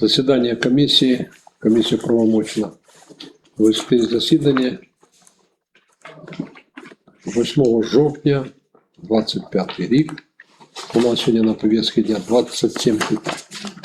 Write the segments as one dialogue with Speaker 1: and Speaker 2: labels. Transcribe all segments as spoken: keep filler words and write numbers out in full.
Speaker 1: Засідання комісії. Комісія правомочна вести засідання восьмого жовтня двадцять п'ятий рік. У нас сьогодні на повістці дня двадцять сім питань.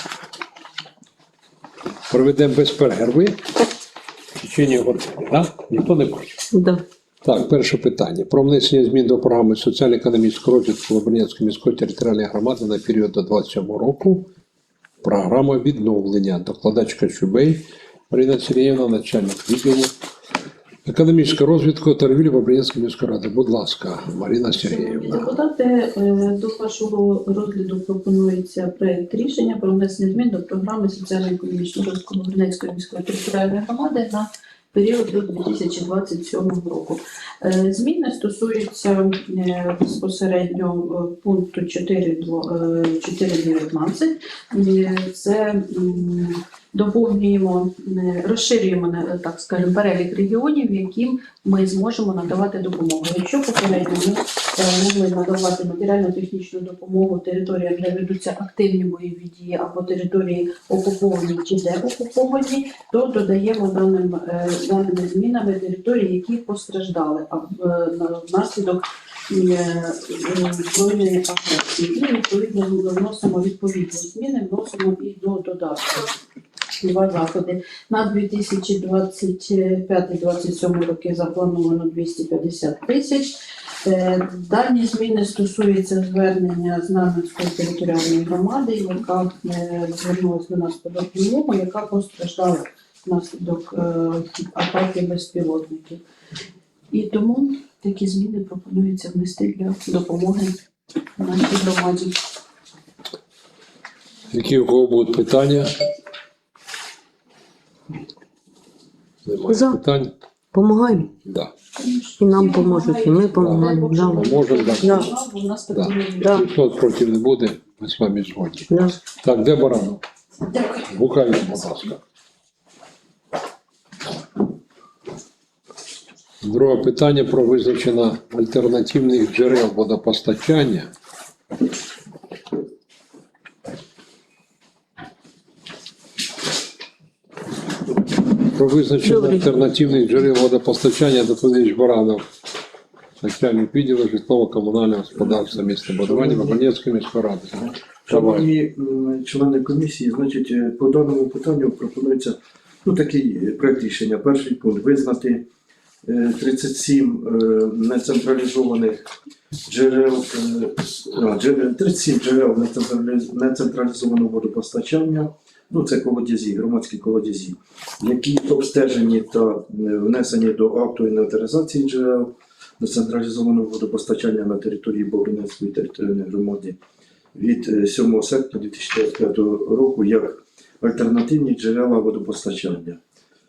Speaker 1: Проведемо без перерви в течение години. Да? Ніхто не хоче?
Speaker 2: Да.
Speaker 1: Так, перше питання. Про внесення змін до програми соціально-економічного розвитку Лубенської міської територіальної громади на період до двадцять сьомого року. Програма відновлення. Докладачка Чубей Марина Сергіївна, начальник відділу економічного розвитку та торгівлі Лубенської міської ради. Будь ласка, Марина Сергіївна.
Speaker 3: Депутати, до вашого розгляду пропонується проєкт рішення про внесення змін до програми соціально-економічного розвитку Лубенської міської територіальної громади на період до дві тисячі двадцять сьомого року. Зміни стосуються безпосередньо пункту чотири дев'ятнадцять. Це доповнюємо, розширюємо, так скажемо, перелік регіонів, яким ми зможемо надавати допомогу. Якщо попередньо ми могли надавати матеріально-технічну допомогу територіям, де ведуться активні бойові дії або території окуповані чи деокуповані, то додаємо даним, даними змінами території, які постраждали внаслідок збройної агресії. І відповідно вносимо відповідні зміни, вносимо і до додатку. Два заходи. На дві тисячі двадцять п'ятий - двадцять сьомий роки заплановано двісті п'ятдесят тисяч. Дані зміни стосуються звернення Знам'янської територіальної громади, яка звернулася до нас по допомогу, яка постраждала внаслідок атаки безпілотників. І тому такі зміни пропонується внести для допомоги нашій громаді.
Speaker 1: Які у кого будуть питання? Немає
Speaker 2: За.
Speaker 1: питань?
Speaker 2: Помагаємо.
Speaker 1: Да.
Speaker 2: І нам поможуть, і ми допомагаємо. Да.
Speaker 1: Можемо, да.
Speaker 2: Да.
Speaker 3: У нас
Speaker 1: Да.
Speaker 2: Да.
Speaker 1: Ніхто проти не буде, ми з вами згодні.
Speaker 2: Да.
Speaker 1: Так, де Баранов?
Speaker 3: Дякую.
Speaker 1: Гукаю, будь ласка. Друге питання про визначення альтернативних джерел водопостачання. Про визначення
Speaker 2: Добре.
Speaker 1: альтернативних джерел водопостачання доповідач Баранов, начальник відділу житлово-комунального господарства міста Будування Бабанецької міської ради. Давай.
Speaker 4: Шановні м, члени комісії, значить, е, по даному питанню пропонується ну, такий проект рішення. Перший пункт – визнати е, тридцять сім е, нецентралізованих джерел, е, а, дже- тридцять сім джерел нецентраліз- нецентралізованого водопостачання, ну це колодязі, громадські колодязі, які обстежені та е, внесені до акту інвентаризації джерел нецентралізованого водопостачання на території Бобринецької територіальної громади від сьомого серпня дві тисячі двадцять п'ятого року як альтернативні джерела водопостачання.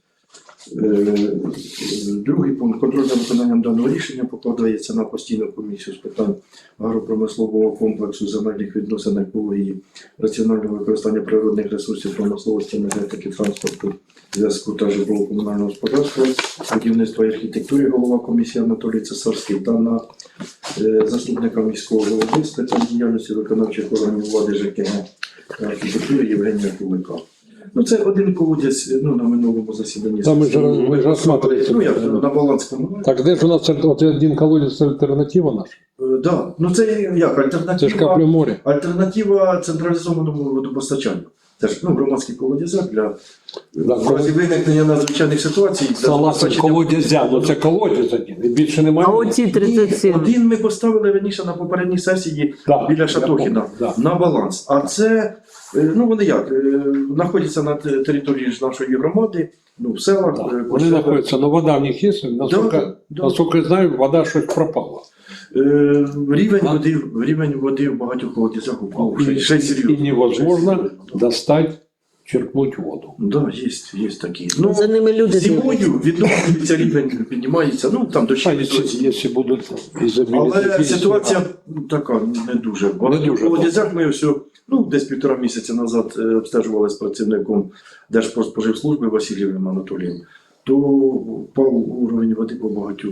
Speaker 4: Е, Другий пункт. Контроль за виконанням даного рішення покладається на постійну комісію з питань агропромислового комплексу, земельних відносин, екології, раціонального використання природних ресурсів, промисловості, енергетики, транспорту, зв'язку та житлово-комунального господарства, будівництва і архітектури, голова комісії Анатолій Цесарський, та на е, заступника міського голови з питань діяльності виконавчих органів влади ЖКГ та архітектури Євгенія Кулика. Ну, це один колодязь, ну, на минулому засіданні.
Speaker 1: Та ми ж роз- ми ж розсматривали це
Speaker 4: Ну, як,
Speaker 1: питання.
Speaker 4: на баланському.
Speaker 1: Так де ж у нас от один колодязь альтернатива наша?
Speaker 4: Так, да. Ну це як альтернатива.
Speaker 1: Це ж каплі моря.
Speaker 4: Альтернатива централізованому водопостачанню. Це ж ну, громадський колодязяк для
Speaker 1: Да,
Speaker 4: в разі виникнення надзвичайних ситуацій. для
Speaker 1: Согласен,
Speaker 4: забезпечення-
Speaker 1: колодязя, ну це колодязь один, і більше немає.
Speaker 2: А оці
Speaker 4: Ні,
Speaker 2: тридцять сім.
Speaker 4: один ми поставили раніше на попередній сесії
Speaker 1: Да,
Speaker 4: біля
Speaker 1: я
Speaker 4: Шатохіна
Speaker 1: помню, да.
Speaker 4: на баланс. А це, е, ну вони як, е, знаходяться на те- території ж нашої громади, ну в селах.
Speaker 1: Да.
Speaker 4: е,
Speaker 1: Вони
Speaker 4: по селах.
Speaker 1: знаходяться, але вода в них є, наскільки,
Speaker 4: Да, да.
Speaker 1: наскільки я знаю, вода щось пропала.
Speaker 4: Е, Рівень
Speaker 1: А?
Speaker 4: води, рівень води в багатьох колодязях упав.
Speaker 1: І,
Speaker 4: Ще- ще й серйозно.
Speaker 1: і невозможно
Speaker 4: Ще й серйозно.
Speaker 1: достать, черпнуть воду.
Speaker 4: Да, є, є такі. Ну,
Speaker 2: За ними люди дивляться.
Speaker 4: зимою відновлюється рівень, піднімається, ну там
Speaker 1: А
Speaker 4: дощі.
Speaker 1: якщо, якщо будуть ізобілізації,
Speaker 4: Але ситуація така не дуже. В
Speaker 1: Не
Speaker 4: багатьох
Speaker 1: дуже
Speaker 4: колодязях ми все, ну десь півтора місяця назад е, обстежували з працівником Держпродспоживслужби Васильєвим Анатолієм. То впав уровень води по багатьох.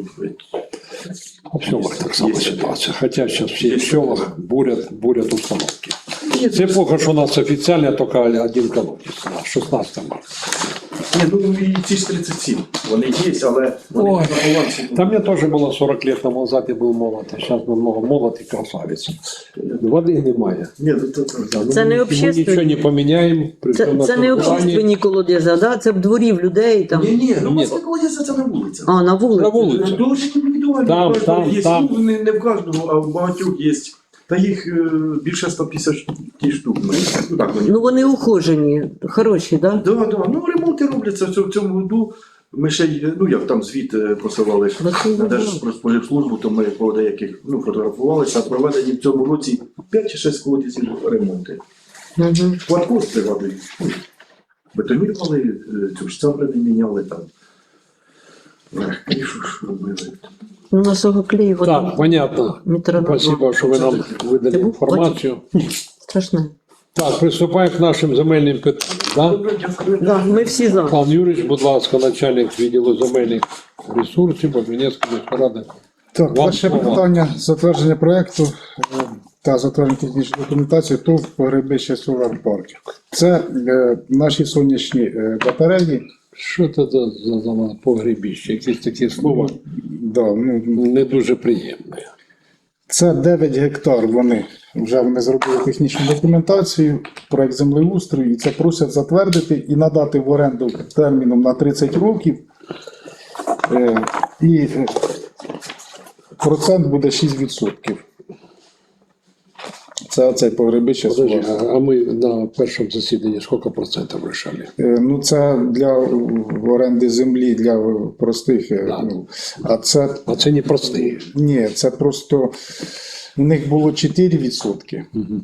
Speaker 1: в селах так само ситуація. Хоча зараз всі в селах бурять, бурять установки. Це поки що у нас офіційно тільки один колодець на шістнадцятому марта.
Speaker 4: Ні, ну і ці ж тридцять сім, вони є, але вони
Speaker 1: Ой,
Speaker 4: на балансі.
Speaker 1: Там мне тоже было сорок лет тому назад, я был молод, а сейчас намного молод и красавец. Воды немає.
Speaker 4: Ні, то, то, то.
Speaker 1: Да, ну,
Speaker 2: Це
Speaker 1: ми-
Speaker 2: не
Speaker 1: ми
Speaker 2: общественні.
Speaker 1: нічого не поміняємо. при
Speaker 2: Це,
Speaker 1: всьому
Speaker 2: це не
Speaker 1: нашому плані.
Speaker 2: общественні колодязі, да? Це в дворі в людей там.
Speaker 4: Ні, ні, ну
Speaker 1: Ні.
Speaker 4: маска колодязя це на вулиці.
Speaker 2: А, на вулиці.
Speaker 1: На вулиці.
Speaker 4: Це дуже індивідуально.
Speaker 1: Там,
Speaker 4: у кожного
Speaker 1: там,
Speaker 4: є.
Speaker 1: там.
Speaker 4: Ну, не, не в кожного, а в багатьох є. Та їх е, більше сто п'ятдесят штук. Ну, ну, так, вони.
Speaker 2: Ну вони ухожені, хороші, да?
Speaker 4: Да, да. Ну, ремонти робляться в цьому, в цьому году. Ми ще й, ну як там звіт е, посилали
Speaker 2: Ну, це
Speaker 4: на
Speaker 2: добре.
Speaker 4: Держпродспоживслужбу, то ми по деяких ну, фотографувалися, а проведені в цьому році п'ять чи шість колодязів ремонти.
Speaker 2: Угу.
Speaker 4: Платформ пригадую. Бетонірували, е, цю ж цембри не міняли там. Ех, кришу ж робили.
Speaker 2: Ну, на сого клею вода.
Speaker 1: Так, понятно.
Speaker 2: Метро на два.
Speaker 1: Спасибо, що ви нам видали
Speaker 2: Це був
Speaker 1: інформацію.
Speaker 2: Страшне.
Speaker 1: Так, приступаємо к нашим земельним питанням. Да?
Speaker 4: Добре, дякую.
Speaker 2: Да, ми всі за.
Speaker 1: Пан Юрійович, будь ласка, начальник відділу земельних ресурсів Бобринецької міської ради.
Speaker 5: Так,
Speaker 1: Вам
Speaker 5: перше
Speaker 1: слово.
Speaker 5: питання затвердження проекту е, та затвердження технічної документації ТОВ Погребище Solar Park. Це е, наші сонячні е, батареї.
Speaker 1: Що це за, за, за погребіще? Якісь такі слова
Speaker 5: Да, ну,
Speaker 1: не дуже приємні.
Speaker 5: це дев'ять гектар. Вони вже вони зробили технічну документацію, проект землеустрою, і це просять затвердити і надати в оренду терміном на тридцять років. Е, І е, процент буде шість відсотків. Це оцей погребище
Speaker 1: Подожди,
Speaker 5: Solar.
Speaker 1: а, а ми на першому засіданні скільки процентів вирішали?
Speaker 5: Е, Ну, це для оренди землі для простих. е,
Speaker 1: Да.
Speaker 5: Ну, а це
Speaker 1: А це не простий.
Speaker 5: ні, це просто у них було чотири відсотки.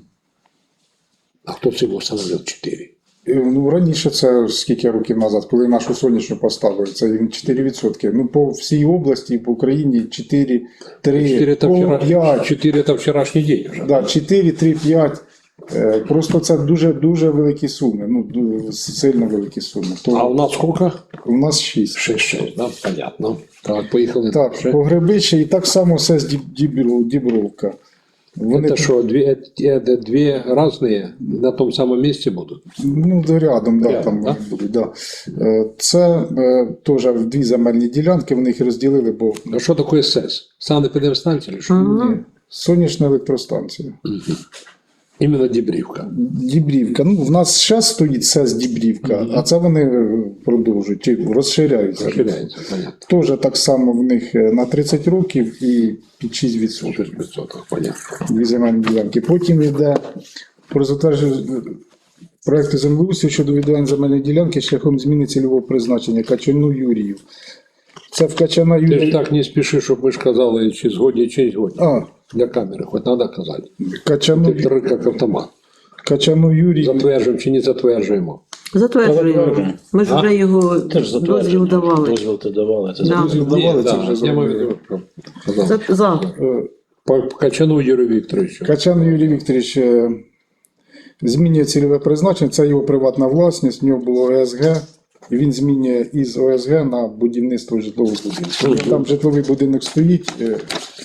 Speaker 1: А хто це його встановив чотири?
Speaker 5: Е, Ну, раніше це скільки років назад, коли нашу сонячну поставили, це їм чотири відсотки. Ну, по всій області, по Україні чотири, три,
Speaker 1: чотири це вчора,
Speaker 5: п'ять.
Speaker 1: чотири це вчорашній день вже.
Speaker 5: Да, чотири, три, п'ять. Е, Просто це дуже дуже великі суми. Ну, ду- сильно великі суми. То
Speaker 1: А у нас скільки?
Speaker 5: у нас шість.
Speaker 1: шість-шість, да? Понятно. Так, поїхали
Speaker 5: Так,
Speaker 1: далі.
Speaker 5: погребище і так само все з Діб- Дібров- Дібровка. Вони
Speaker 1: Це що, дві, е, дві різні на тому самому місці будуть?
Speaker 5: ну, рядом, да,
Speaker 1: Рядом,
Speaker 5: там
Speaker 1: да?
Speaker 5: вони будуть. Да. Е, Це е, теж в дві земельні ділянки, вони їх розділили, бо
Speaker 1: А що таке СЕС? Санепідемстанція чи що?
Speaker 2: Ага.
Speaker 5: сонячна електростанція.
Speaker 1: Іменно Дібрівка.
Speaker 5: Дібрівка. Ну, в нас ще стоїть СЕС Дібрівка, а це вони е, продовжують, чи розширяються.
Speaker 1: Розширяється, понятно.
Speaker 5: Теж так само в них е, на тридцять років і під шість відсотків.
Speaker 1: шість відсотків, понятно.
Speaker 5: Дві земельні ділянки. Потім йде про затвердження проекту землеустрою щодо відведення земельної ділянки шляхом зміни цільового призначення Качану Юрію. Це в Качана
Speaker 1: Ти ж
Speaker 5: Юрія.
Speaker 1: так не спіши, щоб ми ж казали, чи згодні, чи не згодні.
Speaker 5: А,
Speaker 1: Для камери, хоч треба казати.
Speaker 5: Качану,
Speaker 1: Ти три як автомат.
Speaker 5: Качану Юрію.
Speaker 1: Затверджуємо чи не затверджуємо.
Speaker 2: Затверджуємо. Ми ж
Speaker 1: А?
Speaker 2: вже його
Speaker 6: Теж
Speaker 2: дозвіл
Speaker 6: затверджено.
Speaker 2: давали.
Speaker 6: Дозвіл ти давали. Це
Speaker 2: Да.
Speaker 5: Дозвіл давали,
Speaker 1: Ні,
Speaker 5: це
Speaker 1: да,
Speaker 5: вже
Speaker 1: я маю в
Speaker 5: зробили.
Speaker 1: виду, що казав.
Speaker 2: За, за.
Speaker 5: Е,
Speaker 1: По по Качану Юрію Вікторовичу.
Speaker 5: Качан Юрій Вікторович е, змінює цільове призначення, це його приватна власність, в нього було О С Г, і він змінює із О С Г на будівництво житлового будинку. Там житловий будинок стоїть, е,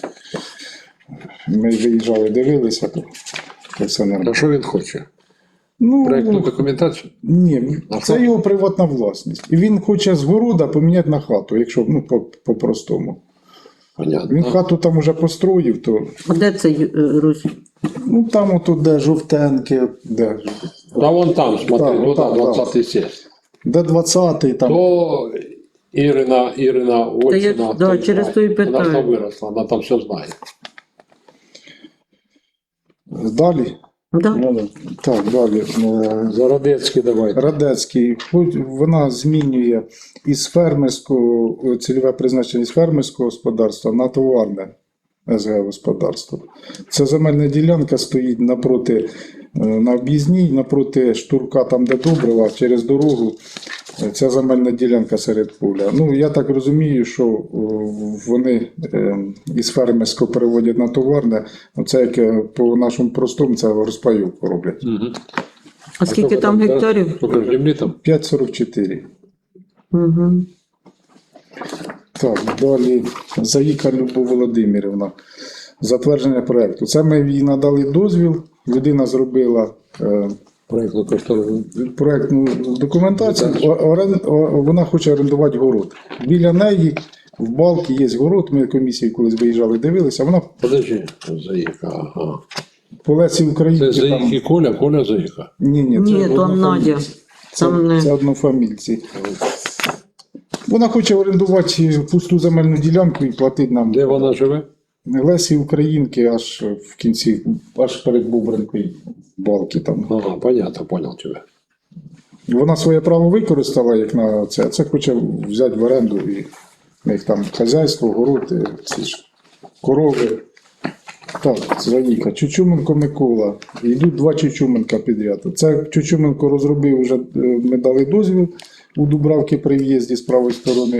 Speaker 5: ми виїжджали, дивилися, то то все
Speaker 1: А
Speaker 5: нормально.
Speaker 1: що він хоче?
Speaker 5: Ну,
Speaker 1: Проектну документацію?
Speaker 5: ні,
Speaker 1: А
Speaker 5: це
Speaker 1: що?
Speaker 5: його приватна власність. І він хоче з города поміняти на хату, якщо ну, по- по-простому.
Speaker 1: Понятно.
Speaker 5: Він хату там уже построїв, то
Speaker 2: А де це е, Русь?
Speaker 5: ну там отут, де жовтенки, де,
Speaker 1: Да вон там, смотри,
Speaker 5: Так,
Speaker 1: туда
Speaker 5: так,
Speaker 1: двадцятий сесть.
Speaker 5: де двадцятий там.
Speaker 1: То Ірина, Ірина
Speaker 2: Та я-
Speaker 1: Ольчина.
Speaker 2: да,
Speaker 1: хто
Speaker 2: через
Speaker 1: знає.
Speaker 2: то і
Speaker 1: Вона ж там
Speaker 2: питаю.
Speaker 1: виросла, вона там все знає.
Speaker 5: Далі.
Speaker 2: Да?
Speaker 6: Ну, да.
Speaker 5: Так, далі. Е,
Speaker 1: Зародецький давайте.
Speaker 5: Радецький, хоч вона змінює із фермерського цільове призначення з фермерського господарства на товарне С Г господарство. Ця земельна ділянка стоїть напроти е, на об'їзній, напроти штурка, там де добрива, через дорогу. Е, Ця земельна ділянка серед поля. Ну, я так розумію, що е, вони е, із фермерського переводять на товарне. Це як е, по нашому простому, це розпайовку роблять.
Speaker 1: Угу.
Speaker 2: А скільки там гектарів?
Speaker 1: Скільки ж землі там?
Speaker 5: п'ять сорок чотири.
Speaker 2: Угу.
Speaker 5: Так, далі Заїка Любов Володимирівна. затвердження проєкту. Це ми їй надали дозвіл, людина зробила е,
Speaker 1: Проєктну кошторисну.
Speaker 5: проєктну документацію, о- орен- о- вона хоче орендувати город. Біля неї в балки є город, ми комісією колись виїжджали, дивилися, вона
Speaker 1: Подожди, Заїка, ага.
Speaker 5: по Лесі
Speaker 1: Це
Speaker 5: Українки
Speaker 1: Заїк
Speaker 5: там...
Speaker 1: і Коля, Коля Заїка.
Speaker 5: Ні, ні, це
Speaker 2: Ні, то
Speaker 5: однофамільці.
Speaker 2: Надя.
Speaker 5: Це,
Speaker 2: Там не-
Speaker 5: це однофамільці. Вона хоче орендувати пусту земельну ділянку і платити нам.
Speaker 1: Де вона живе?
Speaker 5: Лесі Українки аж в кінці, аж перед Бубринкою балки там.
Speaker 1: Ага, понятно, понял тебе.
Speaker 5: Вона своє право використала як на це, а це хоче взяти в оренду і в них там хазяйство, город, і ці ж корови. Так, Заїка, Чучуменко Микола. Йдуть два Чучуменка підряд. Це Чучуменко розробив, вже е, ми дали дозвіл у Дубравки при в'їзді з правої сторони.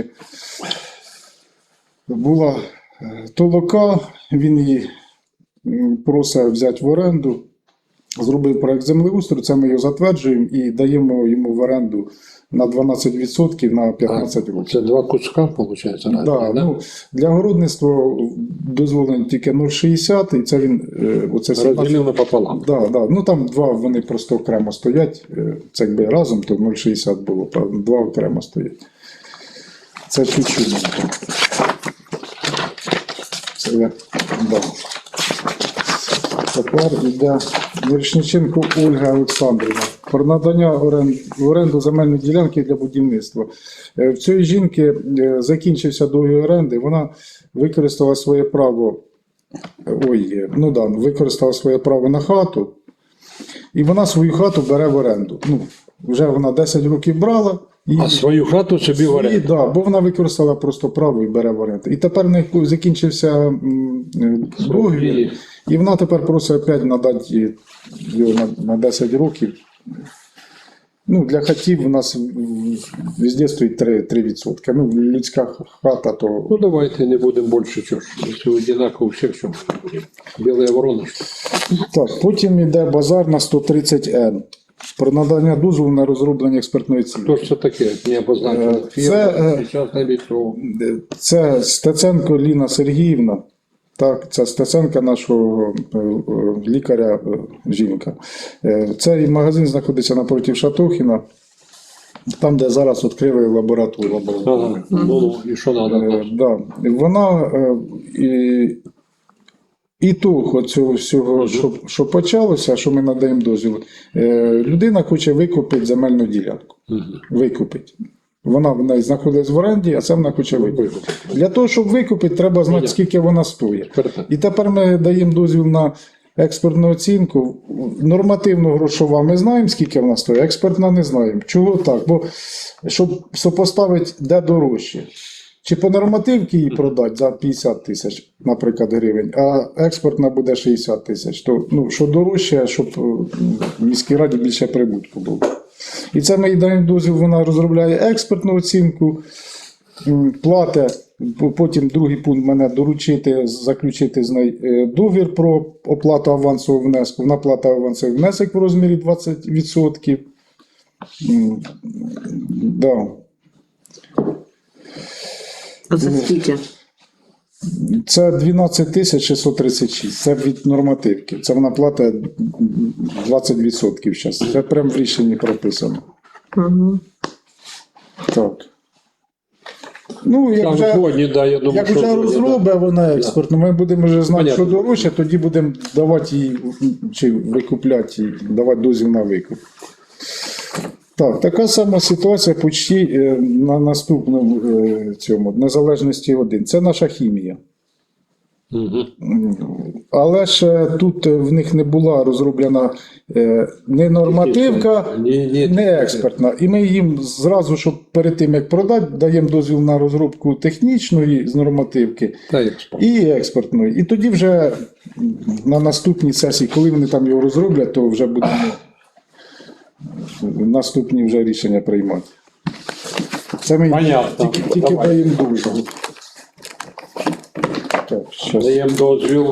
Speaker 5: Була е, толока, він її м, просить взяти в оренду. Зробив проект землеустрою, це ми його затверджуємо і даємо йому в оренду на дванадцять відсотків на п'ятнадцять років.
Speaker 1: Це два куска, виходить, разні,
Speaker 5: Да,
Speaker 1: да?
Speaker 5: ну, для городництва дозволено тільки нуль шістдесят, і це він е, оце сімнадцять.
Speaker 1: Розділив напополам.
Speaker 5: Да, да. Ну там два вони просто окремо стоять. е, Це якби разом, то нуль шістдесят було, правда, два окремо стоять. Це чуть-чуть. Це я. Да. Тепер йде Мірошниченко Ольга Олександрівна. Про надання орен- в оренду земельної ділянки для будівництва. Е, В цієї жінки е, закінчився договір оренди, вона використала своє право, ой, е, ну да, використала своє право на хату, і вона свою хату бере в оренду. Ну, вже вона десять років брала. І
Speaker 1: А свою хату собі в
Speaker 5: і,
Speaker 1: оренду.
Speaker 5: да, бо вона використала просто право і бере в оренду. І тепер в неї закінчився м, е, договір, і вона тепер просить опять надати його на, на десять років. Ну, для хатів у нас м, везде стоїть три відсотки. Ну, людська хата, то
Speaker 1: Ну давайте не будемо більше чого. Якщо одинаково у всіх, що ми будемо. Біла ворона, що?
Speaker 5: так. Потім йде базар на сто тридцять ен. Про надання дозволу на розроблення експертної
Speaker 1: Хто
Speaker 5: оцінки.
Speaker 1: ж це таке? Не обозначено.
Speaker 5: Е, це, е,
Speaker 1: Зараз на ліцо.
Speaker 5: Це Стеценко Ліна Сергіївна. Так, це Стеценка нашого е, е, лікаря, е, жінка. Е, Цей магазин знаходиться напроти Шатохіна, там, де зараз відкрили лабораторію.
Speaker 1: Ага. Ну, і що треба?
Speaker 5: Е, да. Вона е, і, і того цього всього, що, що почалося, що ми надаємо дозвіл, е, людина хоче викупити земельну ділянку. Викупити. Вона в неї знаходиться в оренді, а це вона хоче викупити. Для того, щоб викупити, треба знати, скільки вона стоїть. І тепер ми даємо дозвіл на експертну оцінку. Нормативно-грошова ми знаємо, скільки вона стоїть, експертна не знаємо. Чого так? Бо щоб сопоставити, де дорожче. Чи по нормативці її продати за п'ятдесят тисяч, наприклад, гривень, а експортна буде шістдесят тисяч. То, ну, що дорожче, щоб е, в міській раді більше прибутку було. І це ми їй даємо дозвіл, вона розробляє експертну оцінку, м, платить, по- потім другий пункт мене доручити, заключити з нею е, договір про оплату авансового внеску. Вона платить авансовий внесок в розмірі двадцять відсотків. М, Да.
Speaker 2: А це скільки?
Speaker 5: Це дванадцять тисяч шістсот тридцять шість. Це від нормативки. Це вона платить двадцять відсотків зараз. Це прямо в рішенні прописано.
Speaker 2: Угу.
Speaker 5: Так. Ну, як
Speaker 1: Там
Speaker 5: вже,
Speaker 1: сьогодні, да, я думаю,
Speaker 5: як
Speaker 1: що
Speaker 5: вже
Speaker 1: сьогодні,
Speaker 5: розробить вона експортну, ми будемо вже знати,
Speaker 1: Понятно.
Speaker 5: що дорожче, тоді будемо давати їй, чи викупляти їй, давати дозвіл на викуп. Так, така сама ситуація почти е, на наступному е, цьому, незалежності один. Це наша хімія.
Speaker 1: Мгм.
Speaker 5: Але ж е, тут е, в них не була розроблена е, не нормативка,
Speaker 1: Ні, ні.
Speaker 5: не експертна. І ми їм зразу, щоб перед тим як продати, даємо дозвіл на розробку технічної з нормативки
Speaker 1: Та експорт.
Speaker 5: і експертної. І тоді вже на наступній сесії, коли вони там його розроблять, то вже будемо наступні вже рішення приймати. Це ми
Speaker 1: Понятно.
Speaker 5: тільки, тільки
Speaker 1: Давай.
Speaker 5: даємо дозвіл. Так, щас.
Speaker 1: Даємо дозвіл,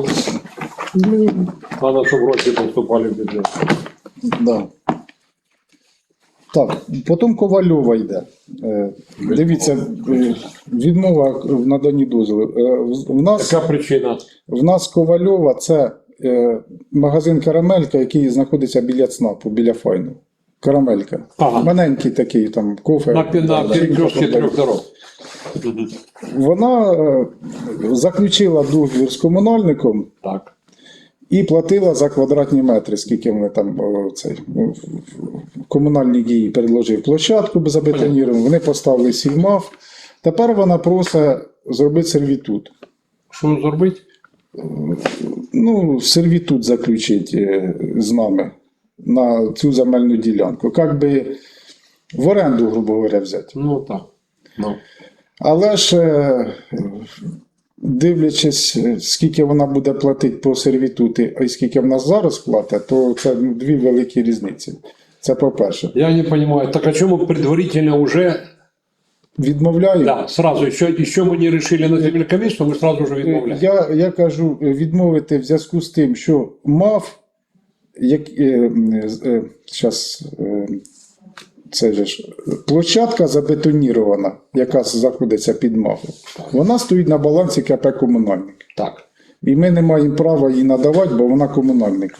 Speaker 2: Блін.
Speaker 1: треба, щоб гроші поступали в бюджет.
Speaker 5: Да. Так, потім Ковальова йде. Е, Дивіться, е, відмова в наданні дозволу. Е, в- В нас,
Speaker 1: Яка причина?
Speaker 5: в нас Ковальова це е, магазин Карамелька, який знаходиться біля ЦНАПу, біля Файну. Карамелька.
Speaker 1: Ага.
Speaker 5: Маленький такий там кофе.
Speaker 1: На, на перекрестке трьох дорог.
Speaker 5: Вона е, заключила договір з комунальником
Speaker 1: Так.
Speaker 5: і платила за квадратні метри, скільки вони там о, цей, ну, комунальні дії предложив площадку забетоніровану, вони поставили сільмав. Тепер вона просить зробити сервітут.
Speaker 1: Що зробити?
Speaker 5: Ну, сервітут заключити е, з нами на цю земельну ділянку. Як би в оренду, грубо говоря, взяти.
Speaker 1: Ну так. Ну.
Speaker 5: Але ж, е, дивлячись, е, скільки вона буде платити по сервітуті, а й скільки в нас зараз платить, то це ну, дві великі різниці. Це по-перше.
Speaker 1: Я не понимаю, так о чем мы предварительно уже,
Speaker 5: Відмовляю.
Speaker 1: да, сразу, еще, еще мы не решили на земельную комиссию, мы сразу же відмовляємо.
Speaker 5: Я, я кажу, е, відмовити в зв'язку з тим, що МАФ, як, е, е, щас, е, це же ж, площадка забетонірована, яка знаходиться під МАФом, вона стоїть на балансі КП «Комунальник».
Speaker 1: Так.
Speaker 5: І ми не маємо права її надавати, бо вона комунальника.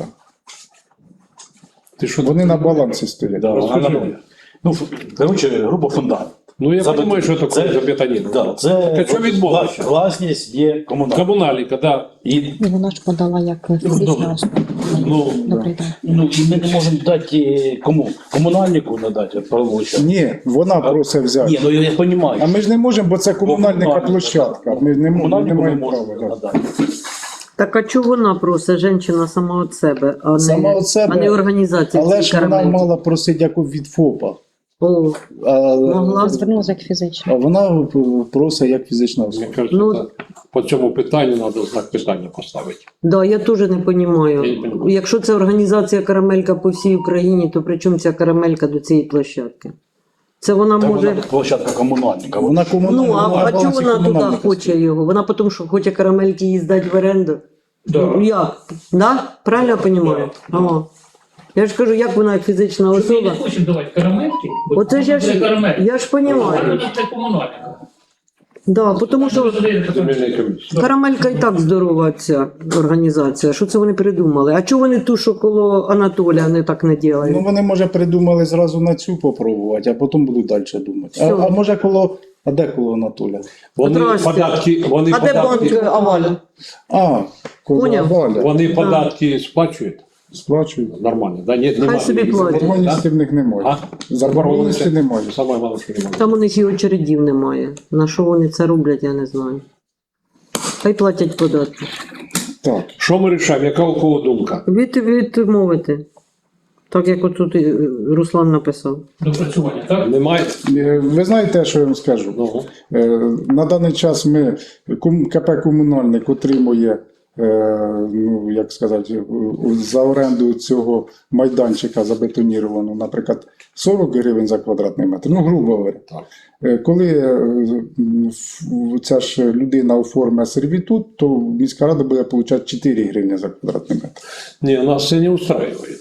Speaker 1: Ти що
Speaker 5: Вони на балансі стоять.
Speaker 6: Да,
Speaker 1: Розкажи
Speaker 6: вона-
Speaker 1: мені.
Speaker 6: ну, грубо, грубо фундамент.
Speaker 1: Ну я
Speaker 6: Забет-
Speaker 1: розумію, що таке
Speaker 6: це-
Speaker 1: забетонірований.
Speaker 6: Да, це
Speaker 1: Так, а що відмовилося?
Speaker 6: вла- власність є комунальна.
Speaker 1: Комунальника, да.
Speaker 6: І,
Speaker 7: І вона ж подала як фізична
Speaker 6: добре.
Speaker 7: особа.
Speaker 6: ну,
Speaker 7: Добрий день.
Speaker 6: ну, і ми не можемо дати кому? Комунальнику надати правовища.
Speaker 5: Ні, вона просить взяти.
Speaker 6: Ні, ну я розумію.
Speaker 5: А ми ж не можемо, бо це комунальника площадка. Ми ж не, мо- не
Speaker 6: Комунальнику не
Speaker 5: маємо
Speaker 6: можемо
Speaker 5: права. да.
Speaker 6: надати.
Speaker 2: Так а чого вона просить жінка сама від себе, а не,
Speaker 5: Сама від себе,
Speaker 2: а не організація?
Speaker 5: Але
Speaker 2: цієї
Speaker 5: ж вона
Speaker 2: карамельки?
Speaker 5: мала просити як від ФОПа.
Speaker 2: О,
Speaker 5: А,
Speaker 2: могла.
Speaker 7: Звернулася як фізична.
Speaker 5: а вона просить як фізична особа.
Speaker 1: Мені кажется,
Speaker 2: Ну-
Speaker 1: так, по цьому питанню треба знак питання поставити.
Speaker 2: Да, я теж не
Speaker 1: Я не
Speaker 2: розумію.
Speaker 1: понімаю.
Speaker 2: Якщо це організація карамелька по всій Україні, то при чому ця карамелька до цієї площадки? Це вона
Speaker 6: Та
Speaker 2: може.
Speaker 6: вона площадка комунальника.
Speaker 5: Вона комунальна.
Speaker 2: Ну, а,
Speaker 5: на
Speaker 2: а чого
Speaker 5: балансі
Speaker 2: вона туди
Speaker 5: комунальника
Speaker 2: хоче
Speaker 5: стоїть.
Speaker 2: його? Вона тому, що хоче карамельки їй здати в оренду?
Speaker 1: Да.
Speaker 2: Ну, як? Да? Правильно я розумію? О. Я ж кажу, як вона як фізична
Speaker 8: Ми не
Speaker 2: особа?
Speaker 8: хочемо давати карамельки, бо
Speaker 2: Оце ж я
Speaker 8: це
Speaker 2: ж,
Speaker 8: карамельки.
Speaker 2: я ж розумію.
Speaker 8: Це комунальника.
Speaker 2: Да, тому що
Speaker 1: Земельної комісії.
Speaker 2: карамелька і так здорова ця організація. Що це вони придумали? А чого вони ту, що коло Анатолія, не так не
Speaker 5: Ну,
Speaker 2: роблять?
Speaker 5: вони, може, придумали зразу на цю попробувати, а потім будуть далі думати. А,
Speaker 2: Що?
Speaker 5: а може коло. А де коло Анатолія?
Speaker 1: Вони
Speaker 2: Здрасте.
Speaker 1: податки, вони
Speaker 2: А де банк
Speaker 1: податки,
Speaker 2: Аваля?
Speaker 5: А, коло
Speaker 2: Поняв.
Speaker 5: Валя.
Speaker 1: вони податки сплачують
Speaker 5: Сплачують.
Speaker 1: нормально, да? Ні, немає.
Speaker 2: собі
Speaker 1: ніяких
Speaker 2: платять.
Speaker 5: Заборгованості в них немає.
Speaker 1: А?
Speaker 5: Заборгованості немає.
Speaker 1: Саме головне, що немає.
Speaker 2: Там у них і очередів немає. На що вони це роблять, я не знаю. Хай платять податки.
Speaker 5: Так.
Speaker 1: Що ми рішаємо? Яка у кого думка?
Speaker 2: Від, відмовити. Так як отут і, е, Руслан написав.
Speaker 8: Допрацювання, так?
Speaker 1: Немає?
Speaker 5: Е, Ви знаєте, що я вам скажу?
Speaker 1: Ну,
Speaker 5: Е, На даний час ми ком- КП «Комунальник» отримує, е, ну, як сказати, у- за оренду цього майданчика забетонірованого, наприклад, сорок гривень за квадратний метр, ну, грубо говоря.
Speaker 1: так.
Speaker 5: Е, Коли е, м, ф- ця ж людина оформить сервітут, то міська рада буде отримати чотири гривні за квадратний метр.
Speaker 1: Не, нас это не устраивает.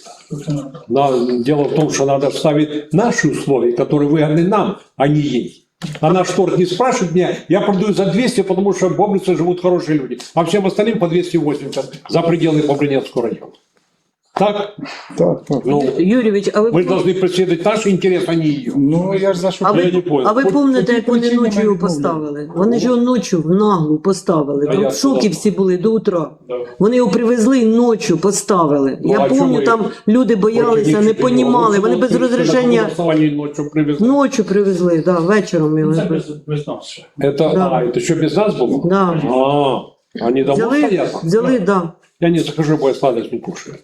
Speaker 1: На- Дело в том, что надо ставить наши условия, которые выгодны нам, а не ей. А наш торг не спрашивает меня, я продаю за двести, потому что в Бобрице живут хорошие люди, а всем остальным по двести восемьдесят за пределы Бобринецкого района. Так?
Speaker 5: Так, так.
Speaker 1: Ну,
Speaker 2: Юрійович, а ви,
Speaker 1: мы же должны преследовать наш интерес, а не ее.
Speaker 5: Ну, я ж за що.
Speaker 2: а
Speaker 1: я не
Speaker 2: ви,
Speaker 1: понял.
Speaker 2: а ви
Speaker 5: По-
Speaker 2: пам'ятаєте,
Speaker 5: по
Speaker 2: як
Speaker 5: тій
Speaker 2: вони
Speaker 5: причині
Speaker 2: ночі
Speaker 5: ми
Speaker 2: його
Speaker 5: відмовляємо.
Speaker 2: поставили? Вони ж його ночі в наглу поставили.
Speaker 1: А
Speaker 2: Там
Speaker 1: я
Speaker 2: в шокі
Speaker 1: що?
Speaker 2: всі були до утра. Вони його привезли і ночі поставили.
Speaker 1: Ну,
Speaker 2: Я
Speaker 1: а чому
Speaker 2: пам'ятаю,
Speaker 1: ви-
Speaker 2: там люди боялися, не понімали. Вони без розрішення
Speaker 1: ночью привезли.
Speaker 2: ночі привезли, да, вечором його.
Speaker 8: Це без, без нас ще.
Speaker 1: Это,
Speaker 2: Да.
Speaker 1: а, это что, без нас было?
Speaker 2: Да.
Speaker 1: А, они дома
Speaker 2: Взяли,
Speaker 1: стоят?
Speaker 2: взяли, да.
Speaker 1: Я не захожу, бо я сладость не кушаю.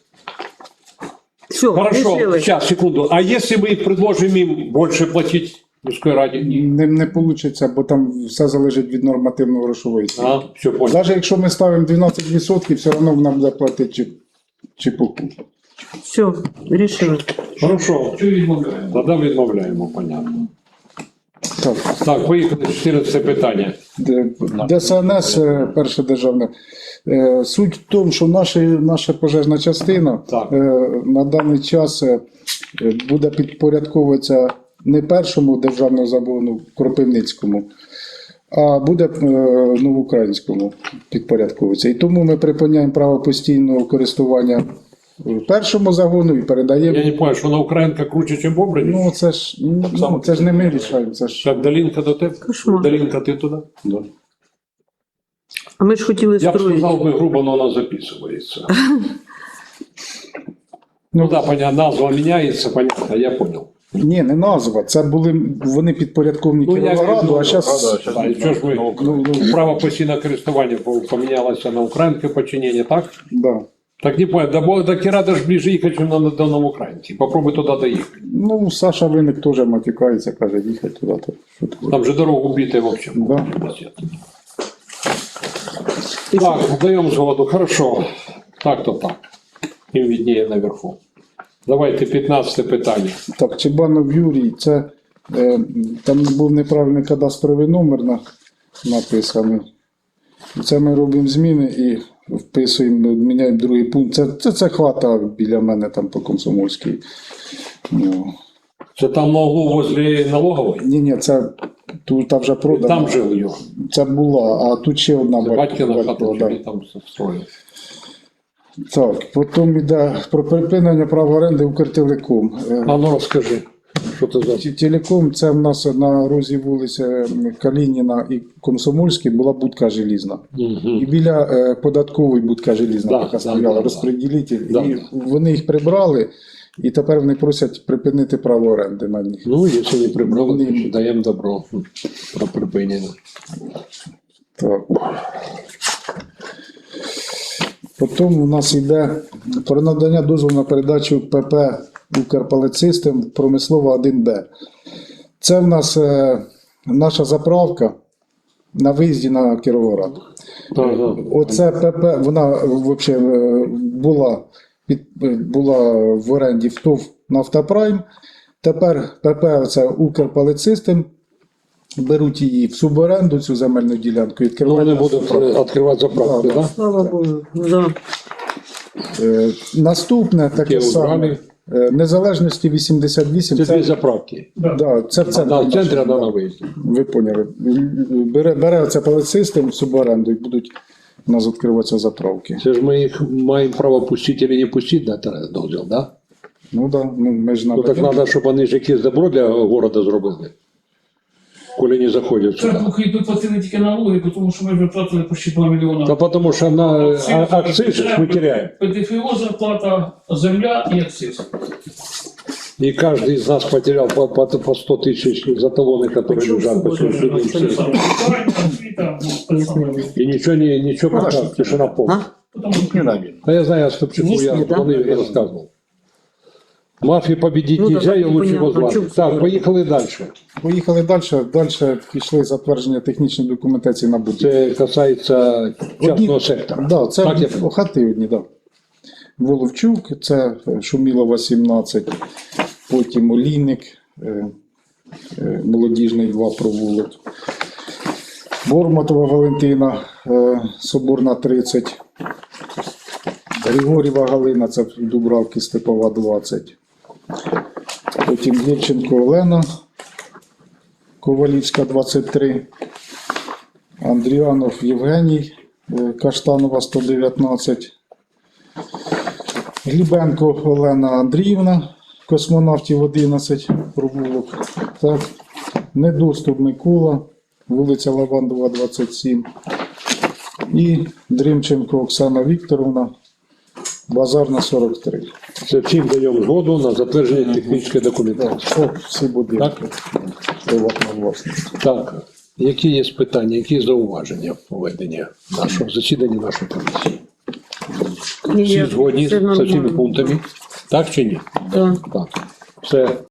Speaker 2: Все,
Speaker 1: Хорошо,
Speaker 2: решили.
Speaker 1: сейчас, секунду. А если мы предложим им больше платить мужской ради?
Speaker 5: Не, не вийде, бо там все залежить від нормативної грошової ціни.
Speaker 1: А, все понял.
Speaker 5: Навіть якщо ми ставимо дванадцять відсотків, все одно вона буде платити чи, чепуху.
Speaker 2: Все, рішили.
Speaker 1: Хорошо.
Speaker 8: Чого відмовляємо?
Speaker 1: Тогда відмовляємо, понятно.
Speaker 5: Так.
Speaker 1: Так, поїхали, чотирнадцяте питання.
Speaker 5: Д- ДСНС, е, перше державне. Е, Суть в тому, що наша, наша пожежна частина
Speaker 1: Так.
Speaker 5: е, на даний час е, е, буде підпорядковуватися не першому державному загону Кропивницькому, а буде е, новоукраїнському підпорядковуватися. І тому ми припиняємо право постійного користування першому загону і передаємо.
Speaker 1: Я не понял, що на Українка круче, ніж Бобрин?
Speaker 5: Ну це ж, ну, це ж не ми рішаємо, це ж.
Speaker 1: Так, Долінка до тебе?
Speaker 2: Кошмар.
Speaker 1: Долінка, ти туди? Да.
Speaker 2: А ми ж хотіли
Speaker 1: Я б
Speaker 2: строїти.
Speaker 1: сказав би грубо, но вона записується. Ну так, понятно, назва міняється, понятно, я понял.
Speaker 5: Ні, не назва. Це були вони підпорядковні
Speaker 1: Ну, я
Speaker 5: Кіровограду, а зараз.
Speaker 1: А і що ж ви, ну, ну, право постійного користування помінялося на українське подчинення, так?
Speaker 5: Да.
Speaker 1: Так не понял, до, Бо- до Кірада ж ближе їхати, ніж на- до Новоукраїнки. Попробуй туди доїхати.
Speaker 5: Ну, Саша Виник теж матюкається, каже, їхати туди. То, що таке?
Speaker 1: Там же дорогу битая в общем.
Speaker 5: Да.
Speaker 1: Так, даємо згоду, хорошо. Так то так. Їм видніє наверху. Давайте п'ятнадцяте питання.
Speaker 5: Так, Чебанов Юрій, це е, там був неправильний кадастровий номер на, написаний. Це ми робимо зміни і вписуємо, міняємо другий пункт. Це, це, це хата біля мене там по Комсомольській. Ну,
Speaker 1: Це там на углу возле налогової?
Speaker 5: ні, ні, це тут та вже продано.
Speaker 1: Там жив його.
Speaker 5: Це була, а тут ще одна
Speaker 1: Це
Speaker 5: батько-
Speaker 1: батькина хата,
Speaker 5: батькова,
Speaker 1: що
Speaker 5: да.
Speaker 1: він там строїв.
Speaker 5: Так, потім йде про припинення права оренди Укртелеком. Е,
Speaker 1: А ну розкажи, що це за...
Speaker 5: Ті- Телеком, це в нас на розі вулиці Калініна і Комсомольській була будка желізна.
Speaker 1: Угу.
Speaker 5: І біля е, податкової будка желізна
Speaker 1: Да,
Speaker 5: така
Speaker 1: да,
Speaker 5: стояла,
Speaker 1: да, да.
Speaker 5: розпреділитель.
Speaker 1: Да,
Speaker 5: І
Speaker 1: да.
Speaker 5: вони їх прибрали, і тепер вони просять припинити право оренди на них.
Speaker 1: Ну, якщо не прибрали,
Speaker 5: Вони-
Speaker 1: то ще даємо добро про припинення.
Speaker 5: Так. Потім у нас йде про надання дозволу на передачу ПП «Укрпалецистем» промислова один Б. Це в нас е, наша заправка на виїзді на Кіровоград.
Speaker 1: Ага.
Speaker 5: Оце ПП, вона взагалі була, під, була в оренді в ТОВ «Нафтапрайм». Тепер ПП оце «Укрпалецистем» беруть її в суборенду, цю земельну ділянку, і
Speaker 1: Ну,
Speaker 5: відкривають.
Speaker 1: вони будуть е, відкривати заправки,
Speaker 5: Да,
Speaker 1: так?
Speaker 2: Слава Богу. Да.
Speaker 5: Е, Наступне таке
Speaker 1: Таке
Speaker 5: саме.
Speaker 1: убрали.
Speaker 5: Е, Незалежності вісімдесят вісім.
Speaker 1: Це
Speaker 5: Це,
Speaker 1: дві заправки.
Speaker 5: да, це в центрі.
Speaker 1: Одна в центрі,
Speaker 5: нашому,
Speaker 1: одна
Speaker 5: да.
Speaker 1: на виїзді.
Speaker 5: Ви поняли. Бере, бере оце полицистим в суборенду і будуть у нас відкриватися заправки.
Speaker 1: Це ж ми їх маємо право пустити чи не пустити на терен дозвіл, да?
Speaker 5: Ну так, да, ну, ми ж
Speaker 1: Ну так
Speaker 5: надаємо.
Speaker 1: треба, щоб вони ж якесь добро для города зробили. Коли не заходять
Speaker 8: Це
Speaker 1: сюди.
Speaker 8: поки йдуть платили тільки налоги, тому що ми вже платили почти два мільйона.
Speaker 1: Та тому що на а- акциз ж ми теряємо.
Speaker 8: ПДФО зарплата, земля і акциз.
Speaker 1: И каждый из нас потерял по, по, по сто тысяч за талоны, которые
Speaker 2: Почему
Speaker 1: лежат по
Speaker 2: суббота?
Speaker 1: сегодняшний
Speaker 8: Це
Speaker 1: день.
Speaker 8: саме. Правильно, освіта, ну, те саме.
Speaker 1: И ничего не, ничего пока, тишина полная.
Speaker 2: А?
Speaker 8: Тому що
Speaker 1: А я знаю, Остапчуку,
Speaker 2: Есть
Speaker 1: я
Speaker 2: ли, да?
Speaker 1: звонил и рассказывал. Мафии победить
Speaker 2: Ну да,
Speaker 1: нельзя, ее
Speaker 2: так
Speaker 1: лучше
Speaker 2: непонятно,
Speaker 1: возглавить.
Speaker 2: чё-
Speaker 1: Так, поехали дальше.
Speaker 5: Поїхали далі. Далі пішли затвердження технічної документації на будівлю.
Speaker 1: Это касается частного сектора.
Speaker 5: Да, це
Speaker 1: Так, я
Speaker 5: одні- хати одні, да. Воловчук, це Шумілова сімнадцять, потім Олійник, е, е, молодіжний два провулок. Бормотова Валентина, е, Соборна тридцять. Григорєва Галина, це Дубравки Степова двадцять. Потім Євченко Олена, Ковалівська двадцять три. Андріанов Євгеній, е, Каштанова сто дев'ятнадцять. Глібенко Олена Андріївна, космонавтів одинадцять, провулок. Так. Недоступ Микола, вулиця Лавандова, двадцять сім. І Дрімченко Оксана Вікторовна, Базарна, сорок три.
Speaker 1: Це всім даємо згоду на затвердження технічної
Speaker 5: Так,
Speaker 1: документації.
Speaker 5: це всі будинки. Приватна власність.
Speaker 1: Так, які є питання, які зауваження в проведенні нашого засідання нашої комісії?
Speaker 2: Ні,
Speaker 1: Всі
Speaker 2: я-
Speaker 1: згодні
Speaker 2: це
Speaker 1: з цими
Speaker 2: нормально.
Speaker 1: пунктами? Так чи ні?
Speaker 2: Да.
Speaker 1: Так. Все